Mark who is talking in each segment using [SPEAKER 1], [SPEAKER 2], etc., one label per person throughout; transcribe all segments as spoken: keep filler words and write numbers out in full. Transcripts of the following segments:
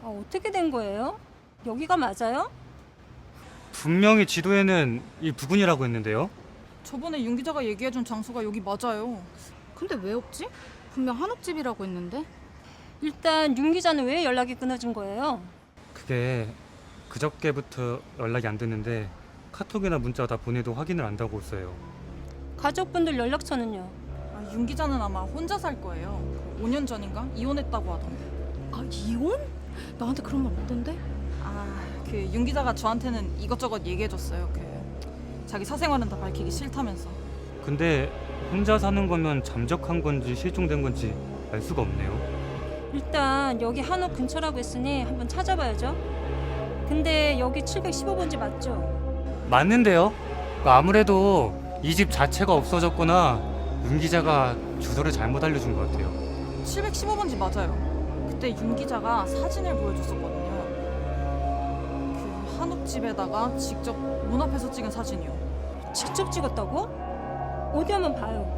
[SPEAKER 1] 아, 어떻게 된 거예요? 여기가 맞아요?
[SPEAKER 2] 분명히 지도에는 이 부근이라고 했는데요.
[SPEAKER 3] 저번에 윤 기자가 얘기해준 장소가 여기 맞아요.
[SPEAKER 4] 근데 왜 없지? 분명 한옥집이라고 했는데.
[SPEAKER 1] 일단 윤 기자는 왜 연락이 끊어진 거예요?
[SPEAKER 2] 그게 그저께부터 연락이 안 됐는데 카톡이나 문자 다 보내도 확인을 안다고 했어요.
[SPEAKER 1] 가족분들 연락처는요?
[SPEAKER 3] 아, 윤 기자는 아마 혼자 살 거예요. 오 년 전인가 이혼했다고 하던데.
[SPEAKER 4] 아, 이혼? 나한테 그런 말 없던데?
[SPEAKER 3] 아, 그 윤 기자가 저한테는 이것저것 얘기해줬어요. 그 자기 사생활은 다 밝히기 싫다면서.
[SPEAKER 2] 근데 혼자 사는 거면 잠적한 건지 실종된 건지 알 수가 없네요.
[SPEAKER 1] 일단 여기 한옥 근처라고 했으니 한번 찾아봐야죠. 근데 여기 칠백십오 번지 맞죠?
[SPEAKER 2] 맞는데요. 아무래도 이 집 자체가 없어졌거나 윤 기자가 주소를 잘못 알려준 것 같아요.
[SPEAKER 3] 칠백십오 번지 맞아요. 그때 윤 기자가 사진을 보여줬었거든요. 그 한옥집에다가 직접 문 앞에서 찍은 사진이요.
[SPEAKER 1] 직접 찍었다고? 어디 한번 봐요.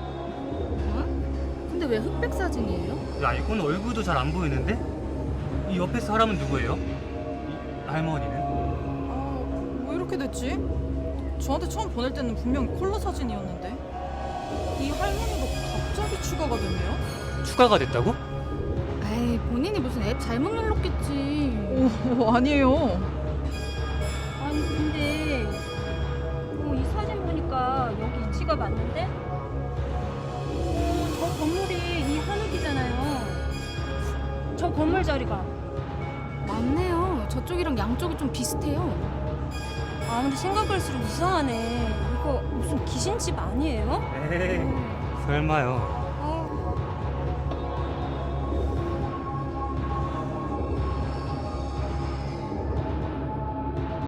[SPEAKER 4] 어? 근데 왜 흑백 사진이에요?
[SPEAKER 2] 야, 이건 얼굴도 잘 안 보이는데? 이 옆에 사람은 누구예요? 이 할머니는?
[SPEAKER 3] 아, 왜 이렇게 됐지? 저한테 처음 보낼 때는 분명히 콜라 사진이었는데 이 할머니도 갑자기 추가가 됐네요?
[SPEAKER 2] 추가가 됐다고?
[SPEAKER 4] 에이, 본인이 무슨 앱 잘못 눌렀겠지.
[SPEAKER 3] 오, 아니에요.
[SPEAKER 1] 아니 근데 어, 이 사진 보니까 여기 위치가 맞는데? 어, 저 건물이 이 한옥이잖아요. 저 건물 자리가.
[SPEAKER 4] 맞네요. 저쪽이랑 양쪽이 좀 비슷해요.
[SPEAKER 1] 아 근데 생각할수록 이상하네. 이거 무슨 귀신집 아니에요?
[SPEAKER 2] 에이, 설마요.